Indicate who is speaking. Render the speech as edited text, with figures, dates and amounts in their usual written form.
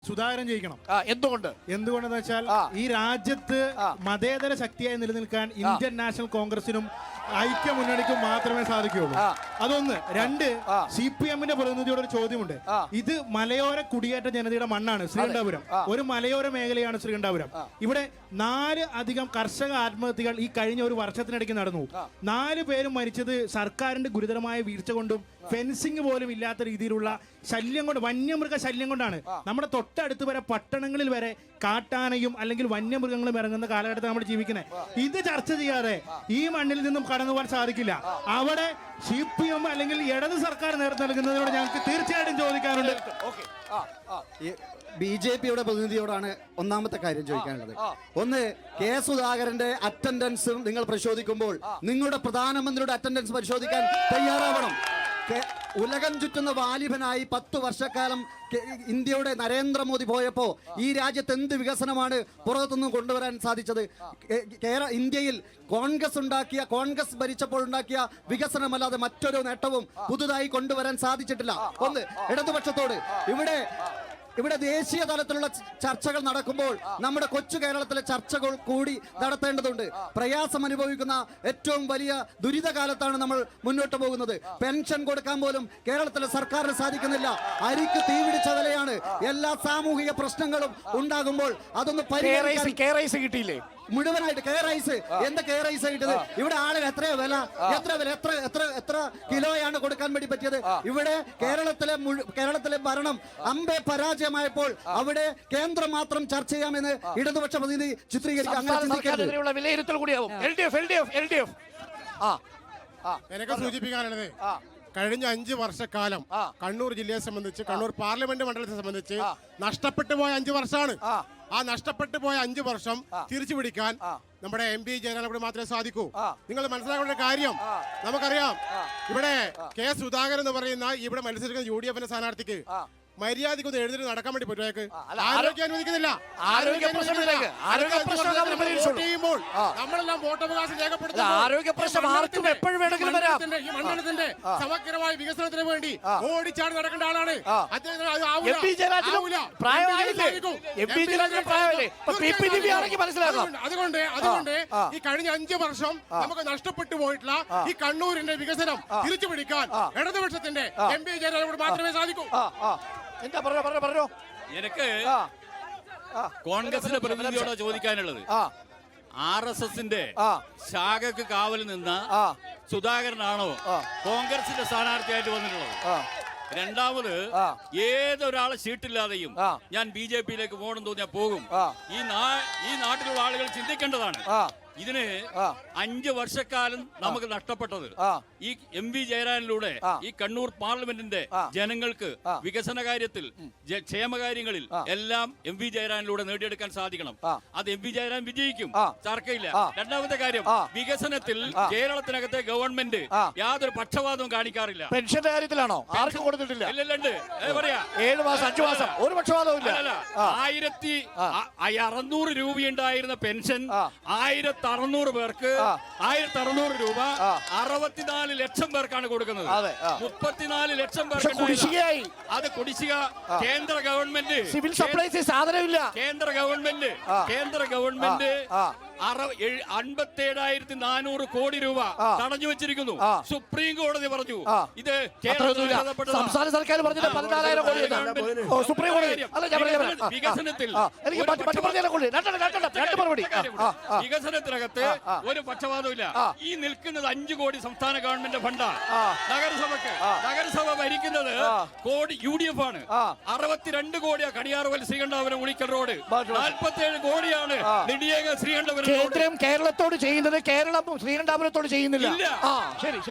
Speaker 1: സുധാകരൻ ജയിക്കണം.
Speaker 2: എന്തുകൊണ്ടെന്ന്
Speaker 1: വെച്ചാൽ ഈ രാജ്യത്ത് മതേതര ശക്തിയായി നിലനിൽക്കാൻ ഇന്ത്യൻ നാഷണൽ കോൺഗ്രസിനും ഐക്യ മുന്നണിക്കും മാത്രമേ സാധിക്കുകയുള്ളൂ. അതൊന്ന്. രണ്ട്, CPM-ന്റെ പ്രതിനിധിയോട് ഒരു ചോദ്യമുണ്ട്. ഇത് മലയോര കുടിയേറ്റ ജനതയുടെ മണ്ണാണ് ശ്രീകണ്ഠാപുരം. ഒരു മലയോര മേഖലയാണ് ശ്രീകണ്ഠാപുരം. ഇവിടെ 4 അധികം കർഷക ആത്മഹത്യകൾ ഈ കഴിഞ്ഞ ഒരു വർഷത്തിനിടയ്ക്ക് നടന്നു. 4 പേരും മരിച്ചത് സർക്കാരിന്റെ ഗുരുതരമായ വീഴ്ച കൊണ്ടും ഫെൻസിങ് പോലും ഇല്ലാത്ത രീതിയിലുള്ള ശല്യം കൊണ്ട്, വന്യമൃഗ ശല്യം കൊണ്ടാണ്. നമ്മുടെ തൊട്ടടുത്ത് വരെ പട്ടണങ്ങളിൽ വരെ കാട്ടാനയും അല്ലെങ്കിൽ വന്യമൃഗങ്ങളും ഇറങ്ങുന്ന കാലഘട്ടത്തിൽ നമ്മൾ ജീവിക്കുന്നത്. ഇത് ചർച്ച ചെയ്യാതെ ഈ മണ്ണിൽ നിന്നും കടന്നു പോകാൻ സാധിക്കില്ല. അവിടെ CPM അല്ലെങ്കിൽ ഇടത് സർക്കാർ നേതൃത്വം നൽകുന്നതിനോട് ഞങ്ങൾക്ക് തീർച്ചയായിട്ടും ചോദിക്കാറുണ്ട്.
Speaker 3: BJP-യുടെ പ്രതിനിധിയോടാണ് ഒന്നാമത്തെ കാര്യം ചോദിക്കാനുള്ളത്. ഒന്ന്, കെ സുധാകരന്റെ അറ്റൻഡൻസ് നിങ്ങൾ പരിശോധിക്കുമ്പോൾ നിങ്ങളുടെ പ്രധാനമന്ത്രിയുടെ അറ്റൻഡൻസ് പരിശോധിക്കാൻ തയ്യാറാവണം. ഉലകം ചുറ്റുന്ന വാലിബനായി 10 വർഷക്കാലം ഇന്ത്യയുടെ നരേന്ദ്രമോദി പോയപ്പോൾ ഈ രാജ്യത്ത് എന്ത് വികസനമാണ് പുറത്തുനിന്ന് കൊണ്ടുവരാൻ സാധിച്ചത്? ഇന്ത്യയിൽ കോൺഗ്രസ് ഭരിച്ചപ്പോൾ ഉണ്ടാക്കിയ വികസനമല്ലാതെ മറ്റൊരു നേട്ടവും പുതുതായി കൊണ്ടുവരാൻ സാധിച്ചിട്ടില്ല. ഒന്ന്, ഇടതുപക്ഷത്തോട് ഇവിടെ ദേശീയ തലത്തിലുള്ള ചർച്ചകൾ നടക്കുമ്പോൾ നമ്മുടെ കൊച്ചു കേരളത്തിലെ ചർച്ചകൾ കൂടി നടത്തേണ്ടതുണ്ട്. പ്രയാസം അനുഭവിക്കുന്ന ഏറ്റവും വലിയ ദുരിതകാലത്താണ് നമ്മൾ മുന്നോട്ട് പോകുന്നത്. പെൻഷൻ കൊടുക്കാൻ പോലും കേരളത്തിലെ സർക്കാരിന് സാധിക്കുന്നില്ല. അരിക്ക് തീപിടിച്ച വിലയാണ്. എല്ലാ സാമൂഹിക പ്രശ്നങ്ങളും ഉണ്ടാകുമ്പോൾ അതൊന്ന്
Speaker 2: കിട്ടിയില്ലേ
Speaker 3: മുഴുവനായിട്ട്? കെ റൈസ് എന്താ കെ റൈസ് കിട്ടത്? ഇവിടെ ആളുകൾ എത്ര കിലോയാണ് കൊടുക്കാൻ വേണ്ടി പറ്റിയത്? ഇവിടെ കേരളത്തിലെ ഭരണം അമ്പെ പരാജയമായപ്പോൾ അവിടെ കേന്ദ്രം മാത്രം ചർച്ച ചെയ്യാമെന്ന് ഇടതുപക്ഷ പ്രതിനിധി ചിത്രീകരിക്കാൻ
Speaker 2: വിലയിരുത്തൽ കൂടിയാവും.
Speaker 4: എനിക്ക് സൂചിപ്പിക്കാനുള്ളത്, കഴിഞ്ഞ 5 വർഷക്കാലം കണ്ണൂർ ജില്ലയെ സംബന്ധിച്ച്, കണ്ണൂർ പാർലമെന്റ് മണ്ഡലത്തെ സംബന്ധിച്ച് നഷ്ടപ്പെട്ടു പോയ 5 വർഷമാണ്. ആ നഷ്ടപ്പെട്ടു പോയ 5 വർഷം തിരിച്ചു പിടിക്കാൻ നമ്മുടെ MP ജയരാജനോട് മാത്രമേ സാധിക്കൂ. നിങ്ങൾ മനസ്സിലാക്കേണ്ട കാര്യം, നമുക്കറിയാം, ഇവിടെ കെ സുധാകരൻ എന്ന് പറയുന്ന ഇവിടെ മത്സരിക്കുന്ന UDF-ന്റെ സ്ഥാനാർത്ഥിക്ക് മര്യാദക്കൊന്ന് എഴുതി നടക്കാൻ വേണ്ടി പറ്റുമോ? ആരോഗ്യം അനുവദിക്കുന്നില്ല. നമ്മളെല്ലാം വോട്ടവകാശം ഈ മണ്ഡലത്തിന്റെ സമഗ്രമായ വികസനത്തിന് വേണ്ടി ഓടിച്ചാടി നടക്കേണ്ട ആളാണ്. അതുകൊണ്ട് ഈ കഴിഞ്ഞ 5 വർഷം നമുക്ക് നഷ്ടപ്പെട്ടു പോയിട്ടുള്ള ഈ കണ്ണൂരിന്റെ വികസനം തിരിച്ചു പിടിക്കാൻ ഇടതുപക്ഷത്തിന്റെ MP ജയരാജനോട് മാത്രമേ സാധിക്കൂ.
Speaker 2: എന്താ പറഞ്ഞോ?
Speaker 5: എനിക്ക് കോൺഗ്രസിന്റെ പ്രതിനിധിയോട് ചോദിക്കാനുള്ളത്, RSS-ന്റെ ശാഖക്ക് കാവൽ നിന്ന സുധാകരനാണോ കോൺഗ്രസിന്റെ സ്ഥാനാർത്ഥിയായിട്ട് വന്നിട്ടുള്ളത്? രണ്ടാമത്, ഏതൊരാളെ സീറ്റില്ലാതെയും ഞാൻ BJP-യിലേക്ക് പോകണം തോന്നിയാൽ പോകും. ഈ നാട്ടിലുള്ള ആളുകൾ ചിന്തിക്കേണ്ടതാണ്. ഇതിന് 5 വർഷക്കാലം നമുക്ക് നഷ്ടപ്പെട്ടത് ഈ MP ജയരാജനിലൂടെ ഈ കണ്ണൂർ പാർലമെന്റിന്റെ ജനങ്ങൾക്ക് വികസന കാര്യത്തിൽ, ക്ഷേമകാര്യങ്ങളിൽ എല്ലാം MP ജയരാജനിലൂടെ നേടിയെടുക്കാൻ സാധിക്കണം. അത് MP ജയരാജൻ വിജയിക്കും, തർക്കമില്ല. രണ്ടാമത്തെ കാര്യം, വികസനത്തിൽ കേരളത്തിനകത്തെ ഗവൺമെന്റ് യാതൊരു പക്ഷപാതവും കാണിക്കാറില്ല.
Speaker 2: പെൻഷന്റെ കാര്യത്തിലാണോ? ആർക്കും കൊടുത്തിട്ടില്ല.
Speaker 5: ഇല്ലല്ലുണ്ട്. പറയാ
Speaker 2: 7 മാസം 5 മാസം ഒരു പക്ഷപാതവും ഇല്ല.
Speaker 5: 1600 രൂപയുണ്ടായിരുന്ന പെൻഷൻ 1600 പേർക്ക് 1600 രൂപ 64 ലക്ഷം പേർക്കാണ് കൊടുക്കുന്നത്. 34 ലക്ഷം പേർക്ക് കുടിശ്ശികയായി. അത് കുടിശ്ശിക കേന്ദ്ര ഗവൺമെന്റ്,
Speaker 2: സിവിൽ സപ്ലൈസ് സാധനമില്ല.
Speaker 5: കേന്ദ്ര ഗവൺമെന്റ് 57,400 കോടി രൂപ തടഞ്ഞു വെച്ചിരിക്കുന്നു. സുപ്രീം കോടതി പറഞ്ഞു ഇത്
Speaker 2: സംസ്ഥാന സർക്കാർ പറഞ്ഞിട്ട് 14,000 കോടി. സുപ്രീം കോടതി
Speaker 5: വികസനത്തിൽ വികസനത്തിനകത്ത് ഒരു പക്ഷപാതമില്ല. ഈ നിൽക്കുന്നത് 5 കോടി സംസ്ഥാന ഗവൺമെന്റ് ഫണ്ടാണ്. നഗരസഭ ഭരിക്കുന്നത് UDF ആണ്. 62 കോടിയാ കണിയാറുവൽ ശ്രീകണ്ഠാപുരം ഉളിക്കൽ റോഡ്. 47 കോടിയാണ് നെടിയേക ശ്രീകണ്ഠാപുരം.
Speaker 2: കേന്ദ്രം കേരളത്തോട് ചെയ്യുന്നത് കേരളം ശ്രീകണ്ഠാപുരത്തോട് ചെയ്യുന്നില്ല.
Speaker 5: ശരി.